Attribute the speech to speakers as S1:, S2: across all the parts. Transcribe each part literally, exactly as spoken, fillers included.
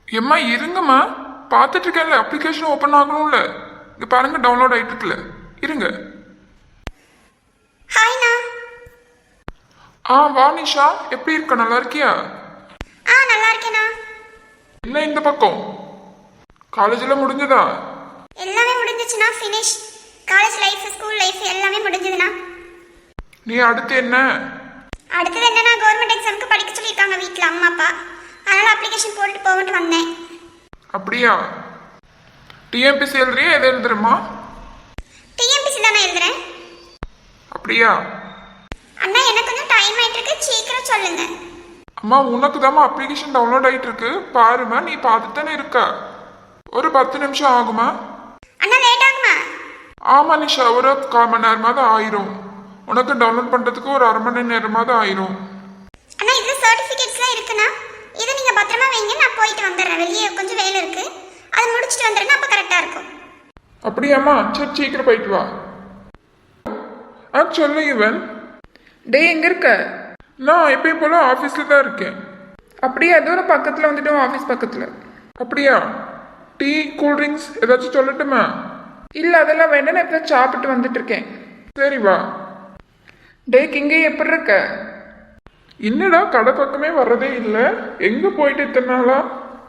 S1: எம்மா இருங்கம்மா, பார்த்துட்டு இருக்கேன்ல, அப்ளிகேஷன் ஓப்பன் ஆகணும்ல. இங்க பாருங்க, டவுன்லோட் ஆயிட்டு இருக்குல்ல, இருங்க.
S2: ஹாய்ண்ணா.
S1: ஆ வா நிஷா, எப்படி இருக்க? நல்லா இருக்கியா?
S2: ஆ நல்லா இருக்கேண்ணா.
S1: என்ன இந்த பக்கம்? காலேஜ்ல முடிஞ்சதா?
S2: எல்லாமே முடிஞ்சிச்சுண்ணா, finish. College life, school life எல்லாமே முடிஞ்சதுண்ணா.
S1: நீ அடுத்து என்ன?
S2: அடுத்தது என்னன்னா, கவர்மெண்ட் எக்ஸாமுக்கு படிக்க சொல்லியிருக்காங்க வீட்டில் அம்மா அப்பா. அதனால அப்ளிகேஷன் போட்டு போகட்டு வந்தேன்.
S1: அப்படியா? டிஎம்பிசி எழுதுறியா, எதை எழுதுறமா?
S2: டிஎம்பிசி தானே எழுதுறேன்.
S1: அப்படியா?
S2: அண்ணா எனக்கு கொஞ்சம் டைம் ஆயிட்டு இருக்கு, சீக்கிரம் சொல்லுங்க.
S1: அம்மா உனக்கு தாம்மா அப்ளிகேஷன் டவுன்லோட் ஆயிட்டு இருக்கு, பாருமா. நீ பார்த்துட்டு தானே இருக்க. ஒரு பத்து நிமிஷம் ஆகுமா?
S2: அண்ணா லேட் ஆகுமா?
S1: ஆமா நிஷா, ஒரு கால் மணி நேரமாவது ஆயிரும். உனக்கு டவுன்லோட் பண்றதுக்கு ஒரு அரை மணி நேரமாவது ஆயிரும்.
S2: அண்ணா இதுல சர்டிபிகேட்ஸ்லாம் இருக்குண்ணா, இதை நீங்க பத்திரமா வைங்க. நான் போயிட்டு வந்துடுறேன், வெளியே கொஞ்சம் வேலை இருக்கு, அதை முடிச்சுட்டு வந்துடுறேன். அப்ப கரெக்டா இருக்கும்.
S1: அப்படியாம்மா? சரி சீக்கிரம் போயிட்டு வா. ஆ சொல்லு இவன்.
S3: டே எங்க இருக்க?
S1: நான் எப்பயும் போல ஆஃபீஸ்ல தான் இருக்கேன்.
S3: அப்படியே தூரம் பக்கத்தில் வந்துட்டோம், ஆஃபீஸ் பக்கத்தில்.
S1: அப்படியா? டீ கூல் ட்ரிங்க்ஸ் ஏதாச்சும் சொல்லட்டுமா?
S3: இல்லை அதெல்லாம் வேண்டாம், நான் இப்போ சாப்பிட்டு வந்துட்டு இருக்கேன்.
S1: சரி வா.
S3: டே கிங்கே எப்படி இருக்க?
S1: என்னடா கடை பக்கமே வர்றதே இல்லை, எங்க போயிட்டு இத்தனை நாளா?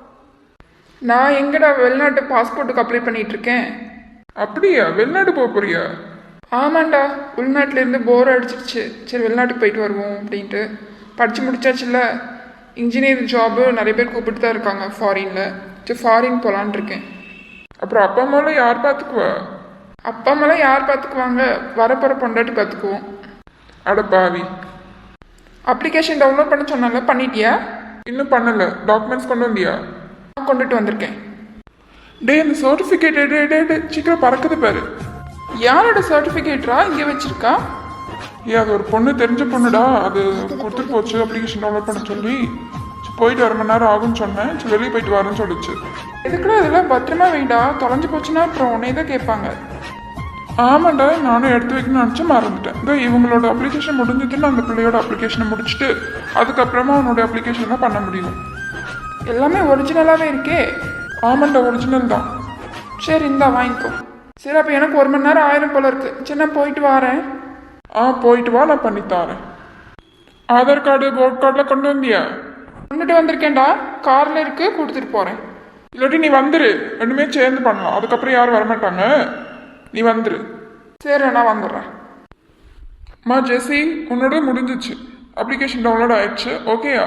S3: நான் எங்கடா வெளிநாட்டு பாஸ்போர்ட்டுக்கு அப்ளை பண்ணிட்டு இருக்கேன்.
S1: அப்படியா? வெளிநாடு போக போறியா?
S3: ஆமாண்டா, உள்நாட்டில இருந்து போர் அடிச்சிருச்சு, சரி வெளிநாட்டுக்கு போயிட்டு வருவோம் அப்படின்ட்டு. படித்து முடிச்சாச்சுல்ல, இன்ஜினியர் ஜாபு நிறைய பேர் கூப்பிட்டு தான் இருக்காங்க ஃபாரினில். சரி ஃபாரின் போகலான் இருக்கேன்.
S1: அப்புறம் அப்பா அம்மாலாம் யார் பார்த்துக்குவா?
S3: அப்பா அம்மாலாம் யார் பார்த்துக்குவாங்க, வரப்போகிற பொண்டாட்டி பார்த்துக்குவோம்.
S1: அட பாவி.
S3: அப்ளிகேஷன் டவுன்லோட் பண்ண சொன்னால, பண்ணிட்டியா?
S1: இன்னும் பண்ணல. டாக்குமெண்ட்ஸ் கொண்டு வந்தியா?
S3: நான் கொண்டுட்டு வந்திருக்கேன்.
S1: டே இந்த சர்டிஃபிகேட் டே டே டே சீக்கிரம் பறக்குது பாரு.
S3: யாரோட சர்டிஃபிகேட்ரா இங்கே வச்சிருக்கா?
S1: ஏ அது ஒரு பொண்ணு, தெரிஞ்ச பொண்ணுடா. அது கொடுத்துட்டு போச்சு அப்ளிகேஷன் டவுன்லோட் பண்ண சொல்லி. போயிட்டு அரை மணி நேரம் ஆகும்னு சொன்னேன், சரி வெளியே போயிட்டு வரேன்னு சொல்லிச்சு.
S3: எதுக்குடா இதெல்லாம் பத்திரமா வைடா, தொலைஞ்சு போச்சுன்னா அப்புறம் உன்னை தான் கேட்பாங்க.
S1: ஆமாண்டா, நானும் எடுத்து வைக்கணும்னு நினச்சி மறந்துட்டேன். இதோ இவங்களோட அப்ளிகேஷன் முடிஞ்சதுன்னு அந்த பிள்ளையோட அப்ளிகேஷனை முடிச்சுட்டு அதுக்கப்புறமா அவனோட அப்ளிகேஷன் தான் பண்ண முடியும்.
S3: எல்லாமே ஒரிஜினலாகவே இருக்கே.
S1: ஆமாண்டா, ஒரிஜினல் தான்.
S3: சரி இந்தா வாங்கிக்கோ. சரி அப்போ எனக்கு ஒரு மணி நேரம் ஆயிரம் போல இருக்கு. சரி நான் போயிட்டு வரேன்.
S1: ஆ போயிட்டு வா, நான் பண்ணித்தாரேன். ஆதார் கார்டு ஓட் கார்டெலாம் கொண்டு வந்தியா?
S3: கொண்டுட்டு வந்திருக்கேன்டா, காரில் இருக்கு, கொடுத்துட்டு போகிறேன்.
S1: இல்லாட்டி நீ வந்துரு, ரெண்டுமே சேர்ந்து பண்ணலாம். அதுக்கப்புறம் யாரும் வரமாட்டாங்க, நீ வந்துரு.
S3: சரி நான் வந்துடுறேன்.
S1: அம்மா ஜெசி, உன்னோட முடிஞ்சிச்சு, அப்ளிகேஷன் டவுன்லோட் ஆயிடுச்சு. ஓகேயா?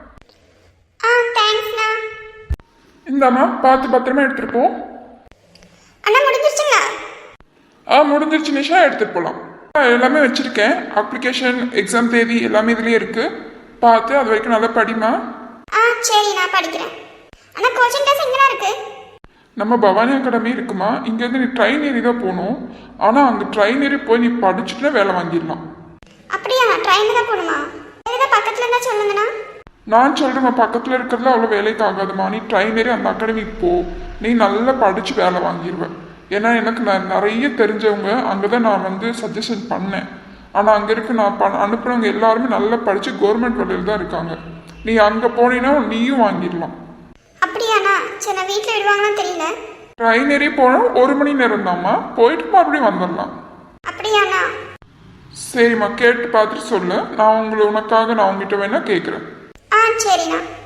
S2: ஆ தேங்க்ஸ்ண்ணா.
S1: இந்தாம்மா, பார்த்து பத்திரமா எடுத்துட்டு போ.
S2: அண்ணா முடிஞ்சிருச்சுங்களா?
S1: ஆ முடிஞ்சிருச்சு நிஷா, எடுத்துட்டு போகலாம். எல்லாமே வச்சிருக்கேன், அப்ளிகேஷன் எக்ஸாம் தேதி எல்லாமே இதுலேயே இருக்கு. பார்த்து அது வரைக்கும் நல்லா படிமா.
S2: ஆ சரி நான் படிக்கிறேன். அண்ணா கோச்சிங் கிளாஸ் எங்கடா இருக்கு?
S1: நம்ம பவானி அகாடமி இருக்குமா, இங்கேருந்து நீ ட்ரெயின் ஏறி தான் போகணும். ஆனால் அங்கே ட்ரெயின் ஏறி போய் நீ படிச்சுட்டு வேலை வாங்கிடலாம்.
S2: அப்படியா? ட்ரெயின் தான் போகணுமா? ஏதாவது பக்கத்தில் இருந்தால் சொல்லுங்கண்ணா.
S1: நான் சொல்கிறேம்மா, பக்கத்தில் இருக்கிறதுல அவ்வளோ வேலைக்கு ஆகாதுமா. நீ ட்ரெயின் ஏறி அந்த அகாடமிக்கு போ, நீ நல்லா படித்து வேலை வாங்கிடுவேன். ஏன்னா எனக்கு நான் நிறைய தெரிஞ்சவங்க அங்கே தான் நான் வந்து சஜஷன் பண்ணேன். ஆனால் அங்கே இருக்க நான் ப அனுப்புனவங்க எல்லாருமே நல்லா படித்து கவர்மெண்ட் வேலையில் தான் இருக்காங்க. நீ அங்கே போனீன்னா நீயும் வாங்கிடலாம்.
S2: அப்படியாண்ணா? சரி நான் வீட்டில் விடுவாங்கன்னு தெரியல.
S1: ட்ரெயின் ஏறி போனால் ஒரு மணி நேரம் தான்மா, போயிட்டு மறுபடியும் வந்துடலாம்.
S2: அப்படியாண்ணா?
S1: சரிம்மா, கேட்டு பார்த்துட்டு சொல்லு. நான் உங்களை உனக்காக நான் உங்ககிட்ட வேணா கேட்குறேன்.
S2: ஆ சரிண்ணா.